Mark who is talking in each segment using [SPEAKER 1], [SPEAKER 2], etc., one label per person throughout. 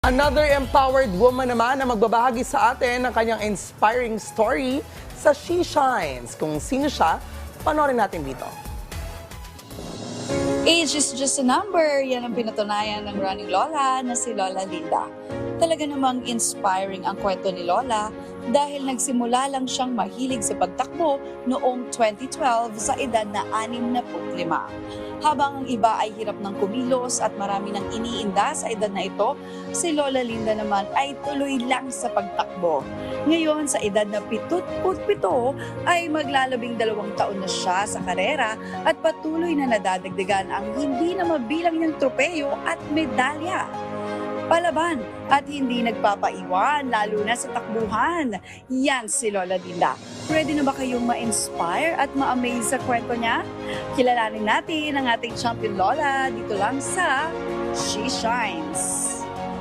[SPEAKER 1] Another empowered woman naman na magbabahagi sa atin ng kanyang inspiring story sa She Shines. Kung sino siya, panoorin natin dito.
[SPEAKER 2] Age is just a number. Yan ang pinatunayan ng running lola na si Lola Linda. Talaga namang inspiring ang kwento ni Lola dahil nagsimula lang siyang mahilig sa pagtakbo noong 2012 sa edad na 65. Habang ang iba ay hirap ng kumilos at marami nang iniinda sa edad na ito, si Lola Linda naman ay tuloy lang sa pagtakbo. Ngayon, sa edad na 77 ay maglalabing 2 taon na siya sa karera at patuloy na nadadagdagan ang hindi na mabilang niyang tropeyo at medalya. Palaban at hindi nagpapaiwan, lalo na sa takbuhan. Yan si Lola Linda. Ready na ba kayong ma-inspire at ma-amaze sa kwento niya? Kilalanin natin ang ating champion Lola dito lang sa She Shines.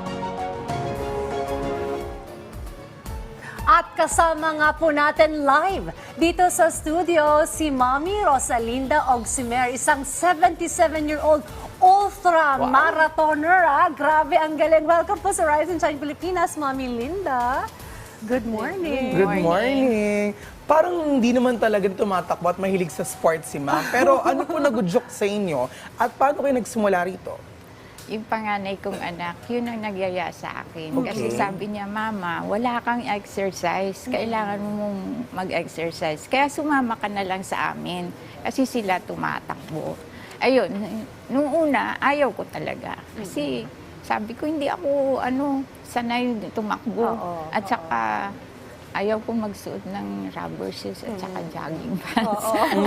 [SPEAKER 3] At kasama nga po natin live dito sa studio si Mami Rosalinda Ogsimer, isang 77-year-old ultra marathoner. Grabe, ang galing. Welcome po sa Rise and Shine Pilipinas, Mami Linda. Good morning.
[SPEAKER 1] Good morning. Parang hindi naman talaga tumatakbo at mahilig sa sports si Ma'am. Pero ano po nagudyok sa inyo at paano kayo nagsimula rito?
[SPEAKER 4] Yung panganay kong anak, yun ang nagyaya sa akin.
[SPEAKER 1] Okay.
[SPEAKER 4] Kasi sabi niya, Mama, wala kang exercise. Kailangan mong mag-exercise. Kaya sumama ka na lang sa amin. Kasi sila tumatakbo. Ayun, nung una, ayaw ko talaga. Kasi sabi ko, hindi ako sanay tumakbo. At saka, ayaw ko magsuot ng rubber shoes at saka jogging pants.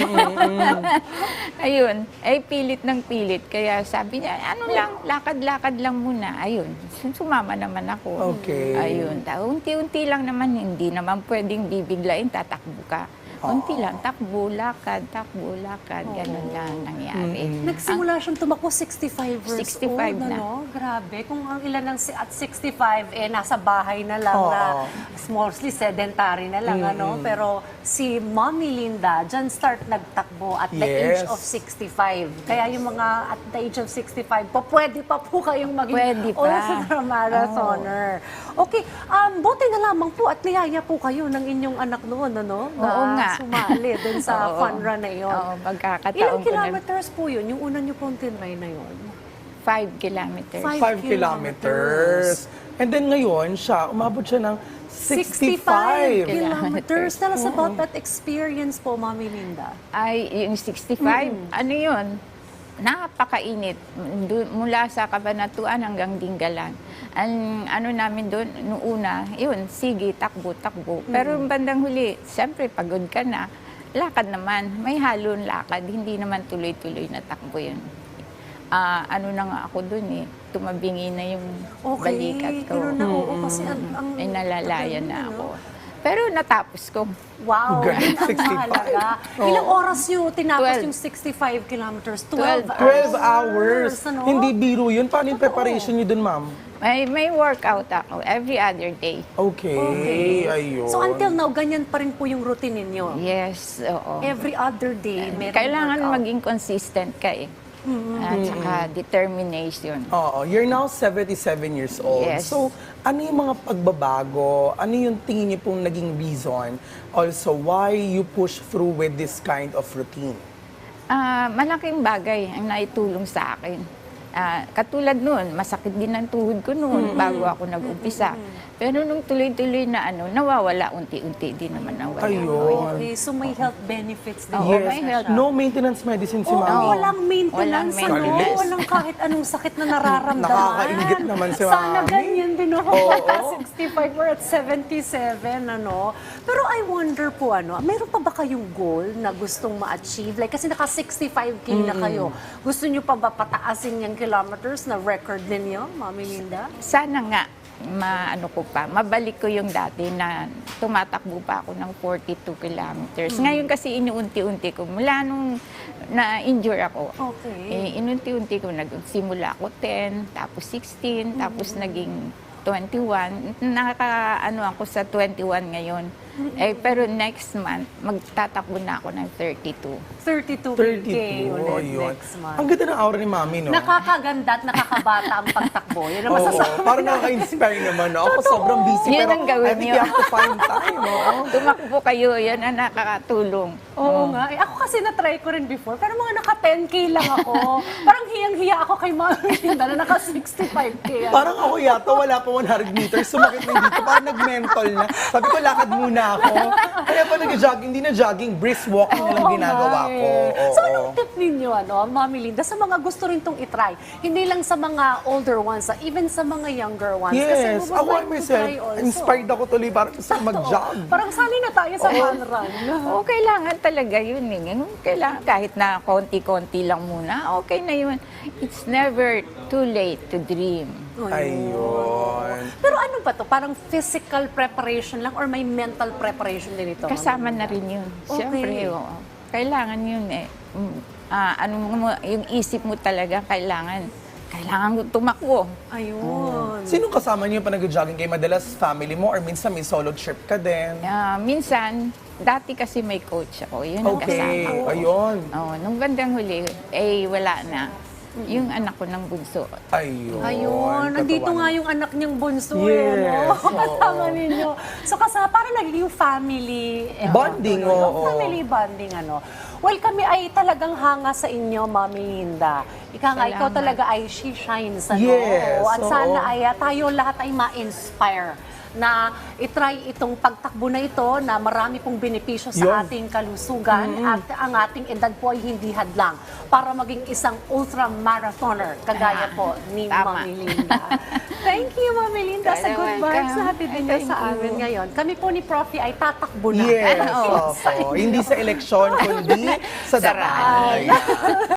[SPEAKER 4] Ayun, ay pilit ng pilit. Kaya sabi niya, lakad-lakad lang muna. Ayun, sumama naman ako.
[SPEAKER 1] Okay.
[SPEAKER 4] Ayun, unti-unti lang naman, hindi naman pwedeng bibiglain, tatakbo ka. Unti lang, takbo, lakad, ganun lang nangyari.
[SPEAKER 3] Nagsimula siyang tumakbo 65 years
[SPEAKER 4] 65
[SPEAKER 3] old.
[SPEAKER 4] na.
[SPEAKER 3] Grabe, kung ang ilan ng at 65, nasa bahay na lang na mostly sedentary na lang. Pero si Mommy Linda, dyan start nagtakbo at the age of 65. Kaya yung mga at the age of 65, pwede pa po kayong maging
[SPEAKER 4] Pwede pa.
[SPEAKER 3] ultra-marathoner. Okay, buti na lamang po at niyaya po kayo ng inyong anak noon,
[SPEAKER 4] Oo nga.
[SPEAKER 3] Sumali dun sa fun run na yun.
[SPEAKER 4] Oo, magkakataon
[SPEAKER 3] Ilang
[SPEAKER 4] ko na.
[SPEAKER 3] kilometers po yun? Yung una nyo pong tinry na yun?
[SPEAKER 4] 5 kilometers.
[SPEAKER 1] 5 kilometers. And then ngayon, umabot siya ng 65
[SPEAKER 3] kilometers. Tell us about that experience po, Mami Linda.
[SPEAKER 4] Ay, yung 65, ano yun? Napakainit. Mula sa Kabanatuan hanggang Dingalan. Ang namin doon, noong una, yun, sige, takbo. Pero yung bandang huli, siyempre, pagod ka na. Lakad naman, may halong lakad. Hindi naman tuloy-tuloy na takbo yun. Na nga ako doon tumabingi na yung balikat ko.
[SPEAKER 3] Pero kasi
[SPEAKER 4] Ay, nalalaya na ako. Pero natapos ko.
[SPEAKER 3] Wow,
[SPEAKER 1] Grabe,
[SPEAKER 3] yun ang
[SPEAKER 1] 65.
[SPEAKER 3] mahalaga. Ilang oras nyo tinapos
[SPEAKER 4] 12.
[SPEAKER 3] yung 65 kilometers?
[SPEAKER 4] 12
[SPEAKER 1] 12 hours.
[SPEAKER 3] Ano?
[SPEAKER 1] Hindi biro yun. Paano yung preparation niyo dun, Ma'am?
[SPEAKER 4] May workout ako every other day.
[SPEAKER 1] Okay. Ayun.
[SPEAKER 3] So until now, ganyan pa rin po yung routine ninyo?
[SPEAKER 4] Yes, oo.
[SPEAKER 3] Every other day, meron
[SPEAKER 4] Kailangan
[SPEAKER 3] workout?
[SPEAKER 4] maging consistent ka At saka determination.
[SPEAKER 1] Oo, you're now 77 years old.
[SPEAKER 4] Yes.
[SPEAKER 1] So, ano yung mga pagbabago? Ano yung tingin niyo pong naging reason? Also, why you push through with this kind of routine?
[SPEAKER 4] Malaking bagay ang naitulong sa akin. Katulad noon, masakit din ang tuhod ko noon bago ako nag-umpisa. Pero nung tuloy-tuloy na nawawala, unti-unti din naman nawala.
[SPEAKER 1] Ayun.
[SPEAKER 3] Okay, so may health benefits din.
[SPEAKER 4] Oo,
[SPEAKER 3] po
[SPEAKER 4] may
[SPEAKER 3] siya.
[SPEAKER 4] health.
[SPEAKER 1] No maintenance medicine si
[SPEAKER 3] Oo,
[SPEAKER 1] Mami.
[SPEAKER 3] walang maintenance,
[SPEAKER 4] Walang maintenance.
[SPEAKER 3] Walang kahit anong sakit na nararamdaman.
[SPEAKER 1] Nakakaingit naman si
[SPEAKER 3] Sana
[SPEAKER 1] Mami.
[SPEAKER 3] ganyan din ako.
[SPEAKER 1] Oo.
[SPEAKER 3] 65, we're at 77, Pero I wonder po, meron pa ba kayong goal na gustong ma-achieve? Like, kasi naka 65K na kayo. Gusto nyo pa ba pataasin yung kilometers na record ninyo, Mami Linda?
[SPEAKER 4] Sana nga, mabalik ko yung dati na tumatakbo pa ako ng 42 kilometers. Ngayon kasi inuunti-unti ko, mula nung na-injure ako,
[SPEAKER 3] Okay.
[SPEAKER 4] inunti-unti ko, nagsimula ako 10, tapos 16, tapos naging 21. Ako sa 21 ngayon. Pero next month, magtatakbo na ako ng 32.
[SPEAKER 3] 32K
[SPEAKER 1] 32,
[SPEAKER 3] ulit
[SPEAKER 1] ayun.
[SPEAKER 3] next month.
[SPEAKER 1] Ang ganda ng aura ni Mami, no?
[SPEAKER 3] Nakakaganda at nakakabata ang pagtakbo. Yan ang
[SPEAKER 1] Oo,
[SPEAKER 3] masasabi.
[SPEAKER 1] parang nakaka-inspire naman. No? Ako sobrang busy,
[SPEAKER 4] Yun
[SPEAKER 1] pero
[SPEAKER 4] ang gawin
[SPEAKER 1] I think
[SPEAKER 4] niyo.
[SPEAKER 1] you have to find time, no?
[SPEAKER 4] Tumakbo kayo, yan ang nakakatulong.
[SPEAKER 3] Oo nga. Ako kasi na-try ko rin before, pero mga naka-10K lang ako. Parang hiyang-hiya ako kay Mami Linda na naka-65K.
[SPEAKER 1] Parang ako yata, wala pa 100 meters, sumakit na dito. Parang nag-mental na. Sabi ko, lakad muna ako. Kaya pa nag-jogging, hindi na jogging, brisk walking na lang
[SPEAKER 3] Oo
[SPEAKER 1] ginagawa
[SPEAKER 3] nga
[SPEAKER 1] ko.
[SPEAKER 3] eh.
[SPEAKER 1] Oo.
[SPEAKER 3] So anong tip ninyo, Mami Linda, sa mga gusto rin itong itry? Hindi lang sa mga older ones, even sa mga younger ones. Kasi
[SPEAKER 1] Yes,
[SPEAKER 3] we would
[SPEAKER 1] ako
[SPEAKER 3] like to
[SPEAKER 1] myself,
[SPEAKER 3] try also.
[SPEAKER 1] inspired ako tuloy parang gusto ko mag-jog.
[SPEAKER 3] Parang sanay na tayo sa fun run.
[SPEAKER 4] Oo, kailangan talaga yun eh. Kailangan kahit na konti-konti lang muna, okay na yun. It's never too late to dream.
[SPEAKER 1] Ayun.
[SPEAKER 3] Pero ano ba to? Parang physical preparation lang or may mental preparation din ito?
[SPEAKER 4] Kasama na rin yun.
[SPEAKER 3] Okay.
[SPEAKER 4] Siyempre, oo. Kailangan yun eh. Yung isip mo talaga, kailangan tumakbo.
[SPEAKER 3] Ayun.
[SPEAKER 1] Sinong kasama niyo pa nag-jogging kayo? Madalas family mo or minsan may solo trip ka din?
[SPEAKER 4] Minsan, dati kasi may coach ako. Yun ang
[SPEAKER 1] Okay,
[SPEAKER 4] kasama ko.
[SPEAKER 1] ayun.
[SPEAKER 4] Nung bandang huli, wala na. Yung anak ko ng bunso.
[SPEAKER 1] Ayun.
[SPEAKER 3] Ayun, nandito
[SPEAKER 1] katawa
[SPEAKER 3] nga
[SPEAKER 1] naman.
[SPEAKER 3] yung anak niyang bunso
[SPEAKER 1] Yes,
[SPEAKER 3] no?
[SPEAKER 1] oo.
[SPEAKER 3] Kasama ninyo. So parang naging family
[SPEAKER 1] Bonding, oo.
[SPEAKER 3] Family bonding, Well, kami ay talagang hanga sa inyo, Mami Linda. Ikaw
[SPEAKER 4] Salamat.
[SPEAKER 3] talaga ay she shines,
[SPEAKER 1] Yes,
[SPEAKER 3] At
[SPEAKER 1] oo.
[SPEAKER 3] sana ay tayo lahat ay ma-inspire na itry itong pagtakbo na ito na marami pong benepisyo sa
[SPEAKER 1] Yun.
[SPEAKER 3] ating kalusugan at ang ating edad po ay hindi hadlang para maging isang ultra-marathoner kagaya po ni
[SPEAKER 4] Tama.
[SPEAKER 3] Mami Linda. Thank you, Mami Linda, sa
[SPEAKER 4] You're
[SPEAKER 3] good vibes
[SPEAKER 4] welcome.
[SPEAKER 3] na hatid ninyo
[SPEAKER 4] Thank
[SPEAKER 3] sa
[SPEAKER 4] you.
[SPEAKER 3] amin ngayon. Kami po ni Profi ay tatakbo na.
[SPEAKER 1] Yes,
[SPEAKER 3] Sa
[SPEAKER 1] opo. Hindi sa eleksyon, kundi sa
[SPEAKER 4] Sa
[SPEAKER 1] darahan.
[SPEAKER 4] rally.